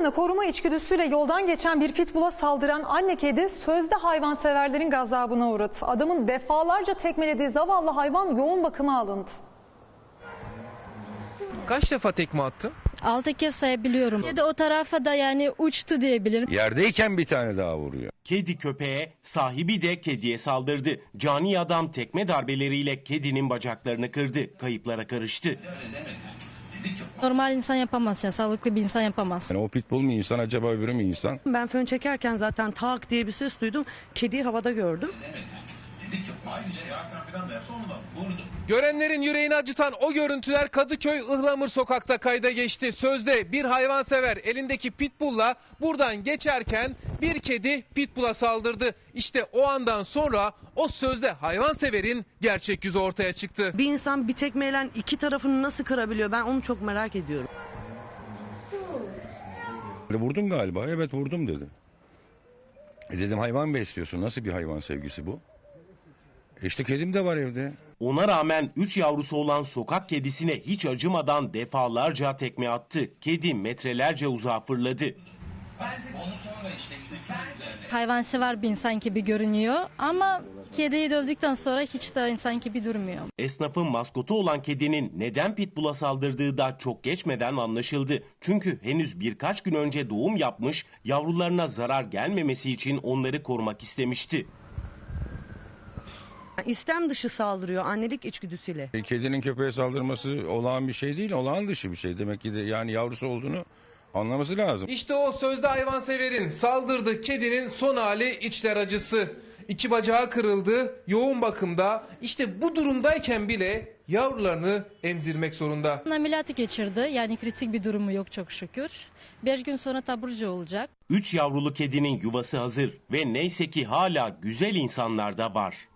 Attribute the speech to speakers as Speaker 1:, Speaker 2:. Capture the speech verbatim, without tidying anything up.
Speaker 1: Yavrularını koruma içgüdüsüyle yoldan geçen bir pitbull'a saldıran anne kedi sözde hayvanseverlerin gazabına uğradı. Adamın defalarca tekmelediği zavallı hayvan yoğun bakıma alındı.
Speaker 2: Kaç defa tekme attın?
Speaker 3: Altı kez sayabiliyorum. Ya da o tarafa da yani uçtu diyebilirim.
Speaker 4: Yerdeyken bir tane daha vuruyor.
Speaker 5: Kedi köpeğe, sahibi de kediye saldırdı. Cani adam tekme darbeleriyle kedinin bacaklarını kırdı. Kayıplara karıştı.
Speaker 3: Normal insan yapamaz ya, sağlıklı bir insan yapamaz.
Speaker 4: Yani o pitbull mu insan acaba, öbürü mü insan?
Speaker 6: Ben fön çekerken zaten tak diye bir ses duydum. Kediyi havada gördüm.
Speaker 2: Görenlerin yüreğini acıtan o görüntüler Kadıköy Ihlamur sokakta kayda geçti. Sözde bir hayvansever elindeki pitbull'la buradan geçerken bir kedi pitbull'a saldırdı. İşte o andan sonra o sözde hayvanseverin gerçek yüzü ortaya çıktı.
Speaker 6: Bir insan bir tekmeyle iki tarafını nasıl kırabiliyor? Ben onu çok merak ediyorum.
Speaker 4: Vurdum galiba. Evet vurdum dedi. E dedim hayvan besliyorsun. Nasıl bir hayvan sevgisi bu? E işte kedim de var evde.
Speaker 5: Ona rağmen üç yavrusu olan sokak kedisine hiç acımadan defalarca tekme attı. Kedi metrelerce uzağa fırladı.
Speaker 3: Hayvansever bir insan gibi görünüyor ama kediyi dövdükten sonra hiç de insan gibi durmuyor.
Speaker 5: Esnafın maskotu olan kedinin neden pitbull'a saldırdığı da çok geçmeden anlaşıldı. Çünkü henüz birkaç gün önce doğum yapmış, yavrularına zarar gelmemesi için onları korumak istemişti.
Speaker 6: İstem dışı saldırıyor annelik içgüdüsüyle.
Speaker 4: E, kedinin köpeğe saldırması olağan bir şey değil, olağan dışı bir şey. Demek ki de yani yavrusu olduğunu anlaması lazım.
Speaker 2: İşte o sözde hayvanseverin saldırdığı kedinin son hali içler acısı. İki bacağı kırıldı, yoğun bakımda. İşte bu durumdayken bile yavrularını emzirmek zorunda.
Speaker 3: Ameliyatı geçirdi, yani kritik bir durumu yok çok şükür. Beş gün sonra taburcu olacak.
Speaker 5: Üç yavrulu kedinin yuvası hazır ve neyse ki hala güzel insanlar da var.